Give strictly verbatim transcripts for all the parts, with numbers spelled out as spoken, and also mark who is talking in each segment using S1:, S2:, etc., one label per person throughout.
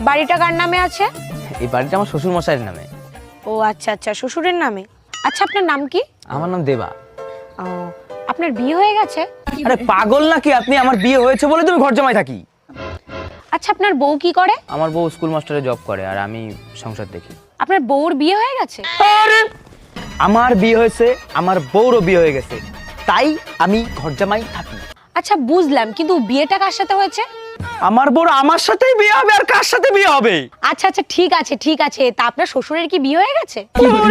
S1: বাড়িটা কার নামে আছে?
S2: এই বাড়িটা আমার শ্বশুর মশাইয়ের নামে।
S1: ও আচ্ছা আচ্ছা, শ্বশুরের নামে। আচ্ছা, আপনার নাম কি?
S2: আমার নাম দেবা।
S1: ও, আপনার বিয়ে হয়ে গেছে?
S2: আরে পাগল নাকি আপনি? আমার বিয়ে হয়েছে বলে তুমি ঘর জামাই থাকি।
S1: আচ্ছা, আপনার বউ কি করে?
S2: আমার বউ স্কুল মাস্টারে জব করে আর আমি সংসার দেখি।
S1: আপনার বউর বিয়ে হয়ে গেছে?
S2: আরে আমার বিয়ে হয়েছে, আমার বউরও বিয়ে হয়ে গেছে, তাই আমি ঘর জামাই থাকি।
S1: আচ্ছা বুঝলাম, কিন্তু বিয়েটা কার সাথে হয়েছে?
S2: আমার বউর আমার সাথেই বিয়ে হবে, আর কার সাথে বিয়ে হবে?
S1: আচ্ছা আচ্ছা, ঠিক আছে ঠিক আছে। তা আপনার শ্বশুরের কি বিয়ে হয়ে গেছে?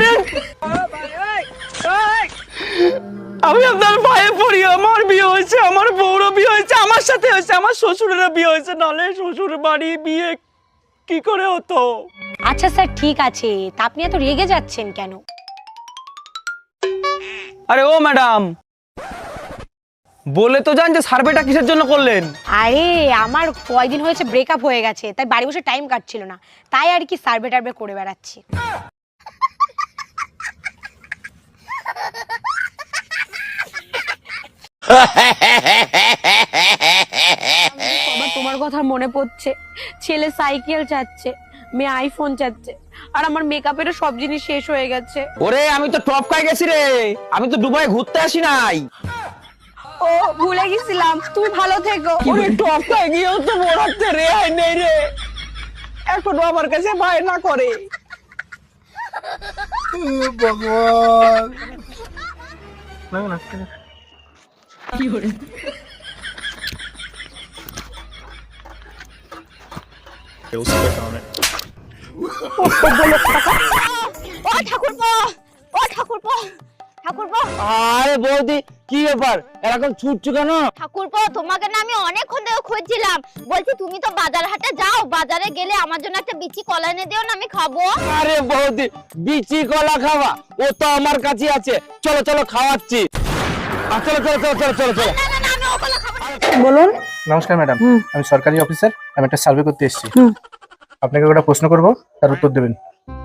S2: আমি আপনার ভাইয়ে পড়ি, আমার বিয়ে হয়েছে, আমার বউরও বিয়ে হয়েছে, আমার সাথে হয়েছে, আমার শ্বশুরেরও বিয়ে হয়েছে, নালে শ্বশুর বাড়ি বিয়ে কি করে হতো?
S1: আচ্ছা স্যার, ঠিক আছে। তা আপনি এত রেগে যাচ্ছেন কেন?
S2: আরে ও ম্যাডাম, বলে তো জান যে সার্ভেটা কিসের জন্য করলেন?
S1: আরে আমার কয়দিন হয়েছে ব্রেকআপ হয়ে গেছে, তাই বাড়ি বসে টাইম কাটছিল না, তাই আর কি সার্ভে টার্ভে করে বেড়াচ্ছি। বাবা, তোমার কথা মনে পড়ছে। ছেলে সাইকেল চাচ্ছে, মেয়ে আইফোন চাচ্ছে, আর আমার মেকআপেরও সব জিনিস শেষ হয়ে গেছে।
S2: ওরে আমি তো টপ খাই গেছি রে, আমি তো দুবাই ঘুরতে আসি নাই।
S1: ও ভুলে গেছিলাম, তুমি ভালো থেকো।
S2: ওরে টপ খাই গিয়েও তো বড়াতে রে আই নেই রে, এখনো আমার কাছে বায়না করে।
S3: ভগবান না না
S1: কি করে ও ঠাকুরপো, ও ঠাকুরপো, ঠাকুরপো।
S2: আরে বৌদি কি ব্যাপার, এরকম ছুটছো কেন?
S4: ঠাকুরপো, তোমাকে না আমি অনেকক্ষণ ধরে খুঁজছিলাম। বলছি তুমি তো বাজার হাটে যাও, বাজারে গেলে আমার জন্য একটা বিচি কলা এনে দিও না, আমি খাবো।
S2: আরে বৌদি বিচি কলা খাওয়া, ও তো আমার কাছে আছে, চলো চলো খাওয়াচ্ছি। আ, চলো চলো চলো চলো চলো চলো।
S4: না না না, আমি ও কলা খাবো না।
S1: বলুন।
S3: নমস্কার ম্যাডাম, আমি সরকারি অফিসার, আমি একটা সার্ভে করতে এসেছি। আপনাকে একটা প্রশ্ন করব, তার উত্তর দেবেন।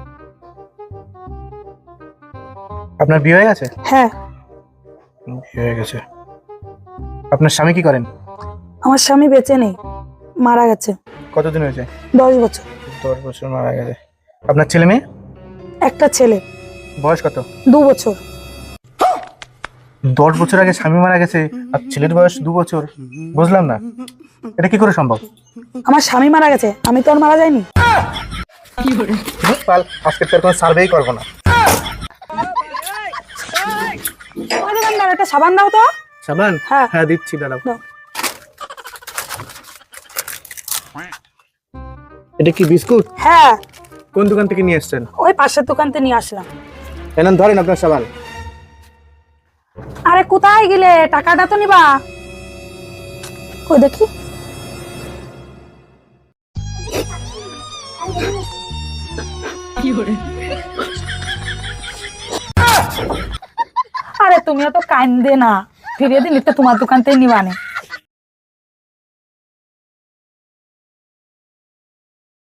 S3: আপনার বিয়ে হয়ে গেছে?
S5: হ্যাঁ।
S3: বিয়ে হয়ে গেছে। আপনার স্বামী কি করেন?
S5: আমার স্বামী বেঁচে নেই, মারা গেছে।
S3: কতদিন হয়েছে?
S5: দশ বছর।
S3: দশ বছর মারা গেছে। আপনার ছেলে মেয়ে?
S5: একটা ছেলে।
S3: বয়স কত?
S5: দু বছর।
S3: দশ বছর আগে স্বামী মারা গেছে আর ছেলের বয়স দু বছর, বুঝলাম না, এটা কি করে সম্ভব?
S5: আমার স্বামী মারা গেছে, আমি তো আর মারা যাইনি।
S3: কাল আজকে তোর কোনো সার্ভেই করবো না।
S5: দোকানদার, একটা সাবান দাও তো।
S3: সাবান?
S5: হ্যাঁ।
S3: হ্যাঁ দিচ্ছি, দাঁড়াও।
S5: দাও।
S3: এটা কি বিস্কুট?
S5: হ্যাঁ,
S3: কোন দোকান থেকে নিয়ে এসেছেন?
S5: ওই পাশের দোকান থেকে নিয়ে আসলাম।
S3: এনেন, ধরেন আপনার সাবান।
S5: আরে কোথায় গেলে, টাকাটা তো নিবা। কই দেখি। আরে তুমি তো কান্দে না, ফিরিয়ে দিন, তোমার দোকান থেকে নিবানে।